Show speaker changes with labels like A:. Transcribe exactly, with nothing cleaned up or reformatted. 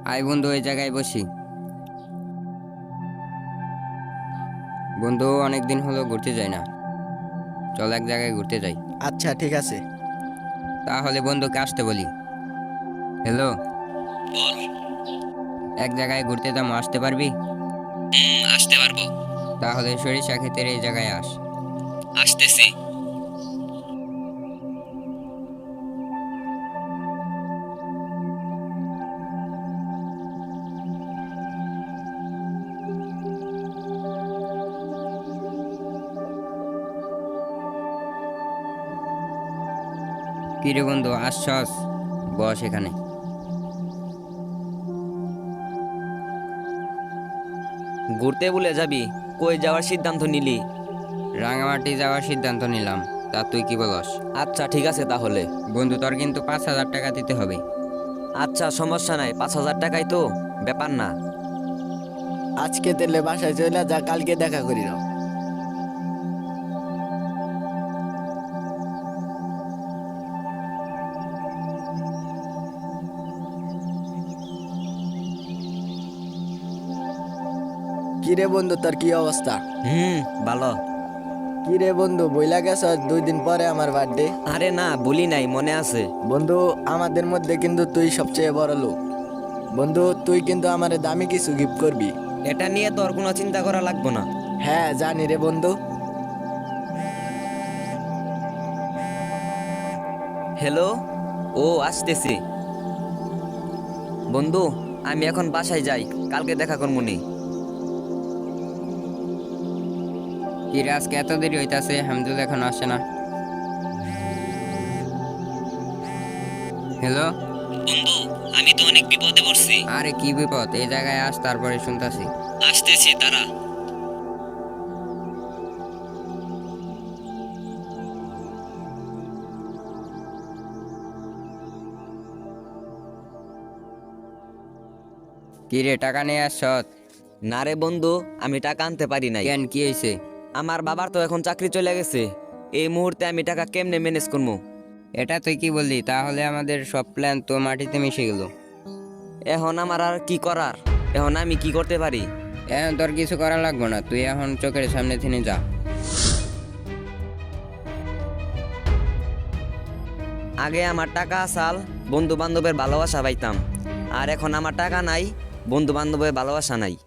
A: আয় বন্ধু, ওই জায়গায় বসি। বন্ধু, অনেকদিন হলো ঘুরতে যাই না, চল এক জায়গায় ঘুরতে যাই।
B: আচ্ছা ঠিক আছে।
A: তাহলে বন্ধুকে আসতে বলি। হ্যালো, এক জায়গায় ঘুরতে যাবো, আসতে পারবি?
C: আসতে পারবো।
A: তাহলে সরিষা ক্ষেতের এই জায়গায় আস।
C: আসতেছি।
A: কিরে বন্ধু, আসছস? বস এখানে।
C: ঘুরতে বলে যাবি? কই যাওয়ার সিদ্ধান্ত নিলি?
A: রাঙামাটি যাওয়ার সিদ্ধান্ত নিলাম, তা তুই কি বলস?
C: আচ্ছা ঠিক আছে তাহলে।
A: বন্ধু, তোর কিন্তু পাঁচ হাজার টাকা দিতে হবে।
C: আচ্ছা সমস্যা নাই, পাঁচ হাজার টাকাই তো, ব্যাপার না।
B: আজকে তেলে বাসায় চলে যা, কালকে দেখা করি নাও। কিরে বন্ধু, তোর কি অবস্থা?
C: হুম, ভালো।
B: কিরে বন্ধু, বইলা গেছ দুই দিন পরে আমার বার্থডে।
C: আরে না, বলি নাই, মনে আছে।
B: বন্ধু, আমাদের মধ্যে কিন্তু তুই সবচেয়ে বড় লোক। বন্ধু, তুই কিন্তু আমারে দামি কিছু গিফট করবি।
C: এটা নিয়ে তোর কোনো চিন্তা করা লাগবে না।
B: হ্যাঁ জানি রে বন্ধু।
C: হ্যালো, ও আসতেছি। বন্ধু, আমি এখন বাসায় যাই, কালকে দেখা করবো নি।
A: কিরে, আজকে এত দেরি হইতাছে, হামদুল এখন আসে না। হ্যালো।
C: বন্ধু, আমি তো অনেক বিপদে পড়ছি।
A: আরে কি বিপদ? এই জায়গায় আস, তারপরে শুনতাছি।
C: আসতেছি, তারা।
A: কিরে, টাকা নিয়ে আসছত?
C: না রে বন্ধু, আমি টাকা আনতে পারি নাই।
A: কেন, কি হয়েছে?
C: আমার বাবার তো এখন চাকরি চলে গেছে, এই মুহূর্তে আমি টাকা কেমনে ম্যানেজ করবো?
A: এটা তুই কি বললি? তাহলে আমাদের সব প্ল্যান তো মাটিতে মিশে গেল।
C: এখন আমার আর কি করার? এখন আমি কি করতে পারি?
A: এখন তোর কিছু করা লাগবে না, তুই এখন চোখের সামনে থেকে যা।
C: আগে আমার টাকা আসাল, বন্ধু বান্ধবের ভালোবাসা পাইতাম। আর এখন আমার টাকা নাই, বন্ধু বান্ধবের ভালোবাসা নাই।